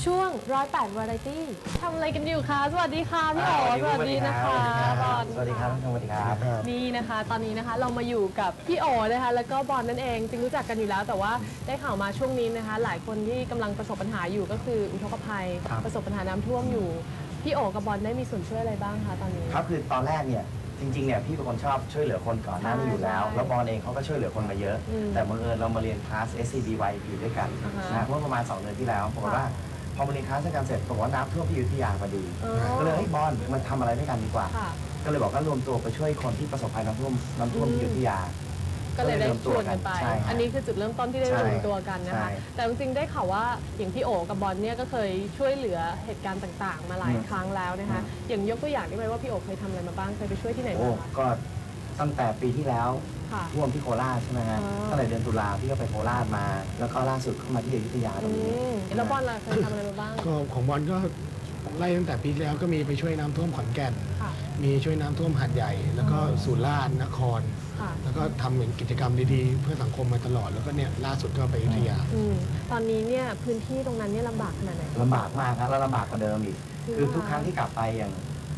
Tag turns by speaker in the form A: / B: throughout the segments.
A: ช่วง108 Variety ทำอะไรกันอยู่คะสวัสดีค่ะพี่อ๋อสวัสดีนะคะบอล
B: สวัสดีครับสวัสดีครับ
A: นี่นะคะตอนนี้นะคะเรามาอยู่กับพี่อ๋อนะคะแล้วก็บอลนั่นเองจริงรู้จักกันอยู่แล้วแต่ว่าได้ข่าวมาช่วงนี้นะคะหลายคนที่กำลังประสบปัญหาอยู่ก็คืออุทกภัยประสบปัญหาน้ำท่วมอยู่พี่อ๋อกับบอลได้มีส่วนช่วยอะไรบ้างคะตอนนี้
B: ครับคือตอนแรกเนี่ยจริงๆเนี่ยพี่เป็นคนชอบช่วยเหลือคนก่อนหน้านี้อยู่แล้วแล้วบอลเองเขาก็ช่วยเหลือคนมาเยอะแต่บังเอิญเรามาเรียนคลาส SCBYP ด้วยกันนะเมื่อประมาณ2 เดือนที่แล้วปรากฏว่าพอมาเรียนคลาสด้วยกันเสร็จปรากฏว่าน้ำท่วมที่อยุธยาพอดีก็เลยให้บอลมันทำอะไรด้วยกันดีกว่าก็เลยบอกว่ารวมตัวไปช่วยคนที่ประสบภัยน้ำท่วมที่อยุธยา
A: ก็เลยได้ชวนกันไปอันนี้คือจุดเริ่มต้นที่ได้รวมตัวกันนะคะแต่จริงๆได้ข่าวว่าอย่างพี่โอกับบอลเนี่ยก็เคยช่วยเหลือเหตุการณ์ต่างๆมาหลายครั้งแล้วนะคะอย่างยกตัวอย่างได้ไหมว่าพี่โอเคยทำอะไรมาบ้างเคยไปช่วยที่ไหนบ้าง
B: ก็ตั้งแต่ปีที่แล้วท่วมที่โคราชใช่ไหมฮะตั้งแต่เดือนตุลาพี่ก็ไปโคราชมาแล้วก็ล่าสุดเข้ามาที่อยุธยาตรงนี้
A: แล้วบอลล่ะเคยทำอะไรมาบ้าง
C: ก็ของบอลก็ไล่ตั้งแต่ปีที่แล้วก็มีไปช่วยน้ำท่วมขอนแก่นมีช่วยน้ำท่วมหาดใหญ่แล้วก็สุราษฎร์นครแล้วก็ทำเหมือนกิจกรรมดีๆเพื่อสังคมมาตลอดแล้วก็เนี่ยล่าสุดก็ไปอยุธยา
A: ตอนนี้เนี่ยพื้นที่ตรงนั้นเนี่ยลำบากขนาดไหน
B: ลำบากมากครับแล้วลำบากกว่าเดิมอีกคือทุกครั้งที่กลับไปอย่าง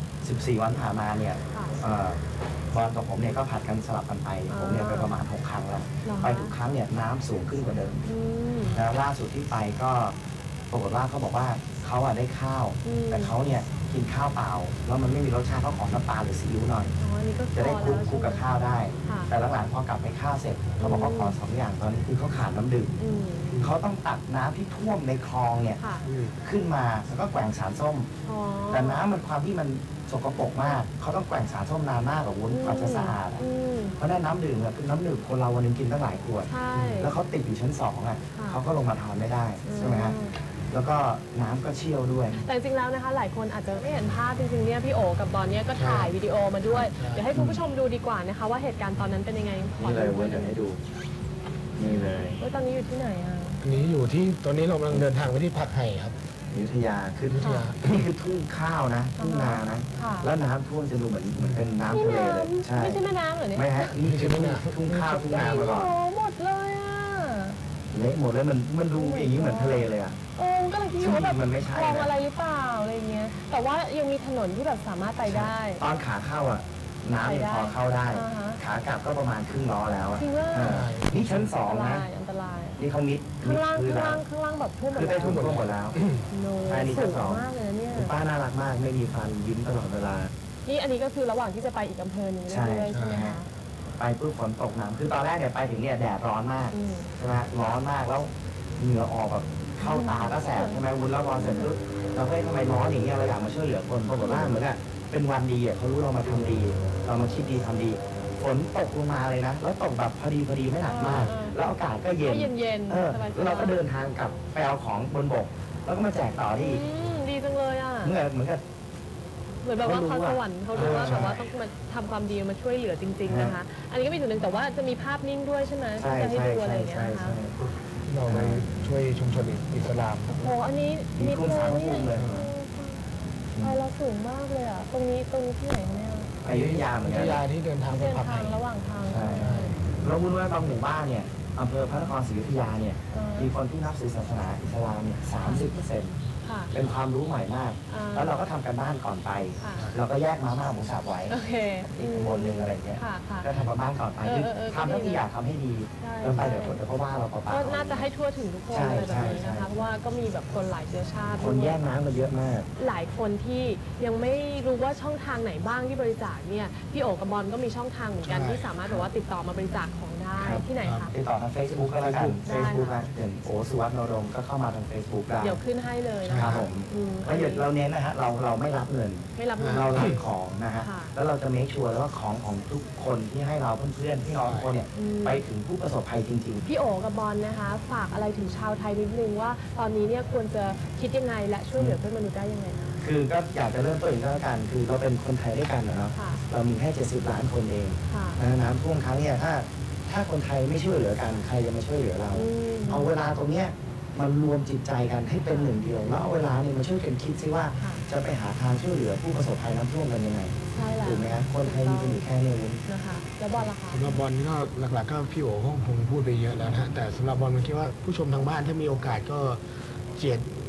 B: 14 วันผ่านมาเนี่ยบอลกับผมเนี่ยก็ผัดกันสลับกันไปผมเนี่ยไปประมาณ6 ครั้งแล้วไปทุกครั้งเนี่ยน้ำสูงขึ้นกว่าเดิมแล้วล่าสุดที่ไปก็ปรากฏว่าเขาบอกว่าเขาได้ข้าวแต่เขาเนี่ยกินข้าวเปล่าแล้วมันไม่มีรสชาติเขาขอน้ำปลาหรือซีอิ๊วหน่อยจะได้คลุกกับข้าวได้แต่หลังๆพอกลับไปข้าวเสร็จเขาบอกว่าขอ2 อย่างตอนนี้คือเขาขาดน้ำดื่มเขาต้องตักน้ำที่ท่วมในคลองเนี่ยขึ้นมาแล้วก็แกว่งสารส้มแต่น้ำมันความที่มันสกปรกมากเขาต้องแกว่งสารส้มนานมากกว่าวุ้นกว่าจะสะอาดเพราะนั้นน้ำดื่มคือน้ำดื่มคนเราวันนึงกินตั้งหลายขวดแล้วเขาติดอยู่ชั้น2เขาก็ลงมาทานไม่ได้ใช่ไหมฮะแล้วก็น้ำก็เชี่ยวด้วย
A: แต่จริงๆแล้วนะคะหลายคนอาจจะไม่เห็นภาพจริงๆเนี่ยพี่โอกับบอลเนี่ยก็ถ่ายวิดีโอมาด้วยเดี๋ยวให้คุณผู้ชมดูดีกว่านะคะว่าเหตุการณ์ตอนนั้นเป็นยังไง
B: นี่เลยเดี๋ยวให้ดูนี่เลย
A: ตอนนี้อยู่ที่ไหนอ่ะ
C: อันนี้อยู่ที่ตอนนี้เรากำลังเดินทางไปที่ผักไห่ครับ
B: อยุธยาคือนี่คือทุ่งข้าวนะทุ่งนานะแล้วน้ำท่วมจะดูเหมือนเป็นน้ำทะเลเลย
A: ใช่ไม่ใช่แม่น้ำเหรอเนี่ย
B: ไม่ฮะนี่คือทุ่งข้าวทุ่งนามาก่อน
A: โอ้หมดเลยอ่ะ
B: เละหมดเลยมันดูอย่างนี้เหมือนทะเลเลยอ่ะ
A: ก็เลยคิดว่าแบบ
B: มันไม่ใช่
A: คลองอะไรหรือเปล่าอะไรเงี้ยแต่ว่ายังมีถนนที่แบบสามารถไปได้
B: ตอนขาเข้าอ่ะน้ำยังพอเข้าได้ขากลับก็ประมาณครึ่งล้อแล้วอ่ะนี่ชั้น2นะ
A: อันตราย
B: นี่เขามิด
A: ข้างล่างแบบท่วม
B: คือได้ท่วมหมดแล้ว
A: อันนี้ชั้น2มากเลยเนี่ย
B: ป้าน่ารักมากไม่มีฟันยิ้มตลอดเวลา
A: นี่อันนี้ก็คือระหว่างที่จะไปอีกอำเภอนึงด้วยใช่ไหมคะ
B: ไปปุ๊บฝนตกหนักคือตอนแรกเนี่ยไปถึงเนี่ยแดดร้อนมากใช่ไหมร้อนมากแล้วเหงื่อออกแบบเข้าตาก็แสบใช่ไหมวุ้นแล้วร้อนเสร็จปุ๊บเราเฮ้ยทำไมร้อนอย่างเงี้ยเราอยากมาช่วยเหลือคนปรากฏว่าเหมือนกับเป็นวันดีอ่ะเขารู้เรามาทำดีเรามาคิดดีทำดีฝนตกลงมาเลยนะแล้วตกแบบพอดีไม่หนักมากแล้วอากาศก็เย็นแล้วเราก็เดินทางกลับไปเอาของบนบกแล้วก็มาแจกต่อที่
A: ดีจังเลยอ่ะ
B: เหมือนกับ
A: แบบว่าเขาสวรรค์เขารู้ว่าแบบว่าต้องมาทำความดีมาช่วยเหลือจริงๆนะคะอันนี้ก็มีส่วนหนึ่งแต่ว่าจะมีภาพนิ่งด้วยใช่ไหมที่จะให้ดูอะไรอย่างเงี้ยนะคะ
C: เราไปช่วยชุมชนอิสลาม
A: โอ้อันนี้
B: มีกลุ่มสามกลุ่มเลย
A: ไปเราสูงมากเลยอ่ะตรงนี้ที่ไหนเนี่ย
B: อยุธยาเหมือนกัน
C: อยุธยาที่เดินทางไปผักไห่
A: ระหว่างทาง
B: ใช่เราพูดว่าบางหมู่บ้านเนี่ยอำเภอพระนครศรีอยุธยาเนี่ยมีคนที่นับถือศาสนาอิสลามเนี่ย30%เป็นความรู้ใหม่มากแล้วเราก็ทำกันบ้านก่อนไปเราก็แยกมาม่าหมูสับไว้อีกบนหนึ่งอะไรเงี้ยก็ทำกันบ้านก่อนไปทำเท่าที่อยากทำให้ดีแล้วไปเดี๋ยวคนเขาว่าเราเปล่า
A: ก็น่าจะให้ทั่วถึงทุกคนเลยแบบนี้นะคะเพราะว่าก็มีแบบคนหลายเชื้อชาติ
B: คนแยกน้ำมาเยอะมาก
A: หลายคนที่ยังไม่รู้ว่าช่องทางไหนบ้างที่บริจาคเนี่ยพี่โอกับบอลก็มีช่องทางเหมือนกันที่สามารถแบบว่าติดต่อมาบริจาคของได้ที่ไหนคะ
B: ติดต่อทาง Facebook ก็แล้วกัน Facebook อย่างโอสุวัฒน์นรงค์ก็เข้ามาทาง Facebook ได้
A: เดี๋ยวขึ้นให้เลยนะคะ
B: แล้วเราเน้นนะฮะเราไม่รับเงินเรารับของนะฮะแล้วเราจะเมคชัวร์ว่าของทุกคนที่ให้เราเพื่อนๆพี่น้องทุกคนเนี่ยไปถึงผู้ประสบภัยจริง
A: ๆพี่โอกับบอลนะคะฝากอะไรถึงชาวไทยนิดนึงว่าตอนนี้เนี่ยควรจะคิดยังไงและช่วยเหลือเพื่อนมนุษย์ได้ยังไง
B: คือก็อยากจะเริ่มต้นอีกแล้วกันคือเราเป็นคนไทยด้วยกันเนาะเรามีแค่70 ล้านคนเองน้ำท่วมครั้งเนี่ยถ้าคนไทยไม่ช่วยเหลือกันใครจะมาช่วยเหลือเราเอาเวลาตรงเนี้ยมันรวมจิตใจกันให้เป็นหนึ่งเดียวแล้วเอาเวลาเนี่ยมาช่วยกันคิดซิว่าจะไปหาทางช่วยเหลือผู้ประสบภัยน้ำท่วมกันยังไงถูกไหมครับคนไทยมีกันอยู่แค่นี้
A: นะคะแล้วบอลล่ะคะ
C: สำหรับบอลก็หลักๆก็พี่โอ๋คงพูดไปเยอะแล้วนะแต่สำหรับบอลมันคิดว่าผู้ชมทางบ้านถ้ามีโอกาสก็เจียด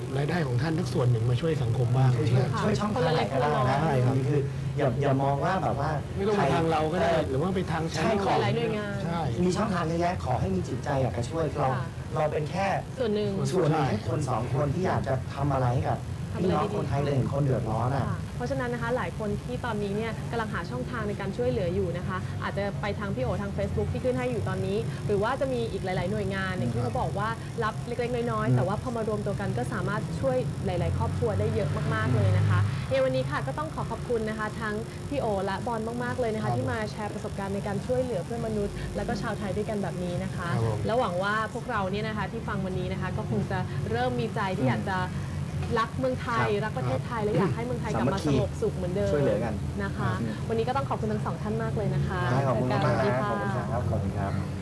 C: รายได้ของท่านทักส่วนหนึ่งมาช่วยสังคมบ้าง
B: ช่วยช่องทางไหนก็ได้นะ
C: ใช่ครับ
B: นี่คืออย่ามองว่าแบบว่า
C: ไม่ต้องไปทางเราก็ได้หรือว่าไปทาง
B: ใช่ของ
A: หลายๆหน่วยงาน
C: ใช่
B: มีช่องทางเยอะแยะขอให้มีจิตใจอยากจะช่วยเราเป็นแค่
A: ส่วนหนึ่ง
B: ส่วนหนึ่งแค่คนสองคนที่อยากจะทำอะไรให้กับพี่น้องคนไทยเลยเห็นคนเดือดร้อนอ่ะ
A: ค่ะเพราะฉะนั้นนะคะหลายคนที่ตอนนี้เนี่ยกำลังหาช่องทางในการช่วยเหลืออยู่นะคะ อาจจะไปทางพี่โอทาง Facebook ที่ขึ้นให้อยู่ตอนนี้ หรือว่าจะมีอีกหลาย ๆ หน่วยงานอย่างที่เขาบอกว่ารับเล็ก ๆ น้อย ๆ แต่ว่าพอมารวมตัวกันก็สามารถช่วยหลาย ๆ ครอบครัวได้เยอะมาก ๆ เลยนะคะในวันนี้ค่ะก็ต้องขอบคุณนะคะทั้งพี่โอและบอลมาก ๆ เลยนะคะที่มาแชร์ประสบการณ์ในการช่วยเหลือเพื่อนมนุษย์ และก็ชาวไทยด้วยกันแบบนี้นะคะ
C: ครับผม
A: แล้วหวังว่าพวกเราเนี่ยนะคะที่ฟังวันนี้นะคะก็คงจะเริ่มมีใจที่อยากจะรักเมืองไทย รักประเทศไทย และอยากให้เมืองไทยกลับมาสงบสุขเหมือนเดิม
B: ช่วยเหลือกัน
A: นะคะ วันนี้ก็ต้องขอบคุณทั้งสองท่านมากเลยนะคะ
B: ขอบคุณมาก
A: สวัสดี
B: นะ
A: ค่ะ
B: ขอบคุณครับขอบคุณครับ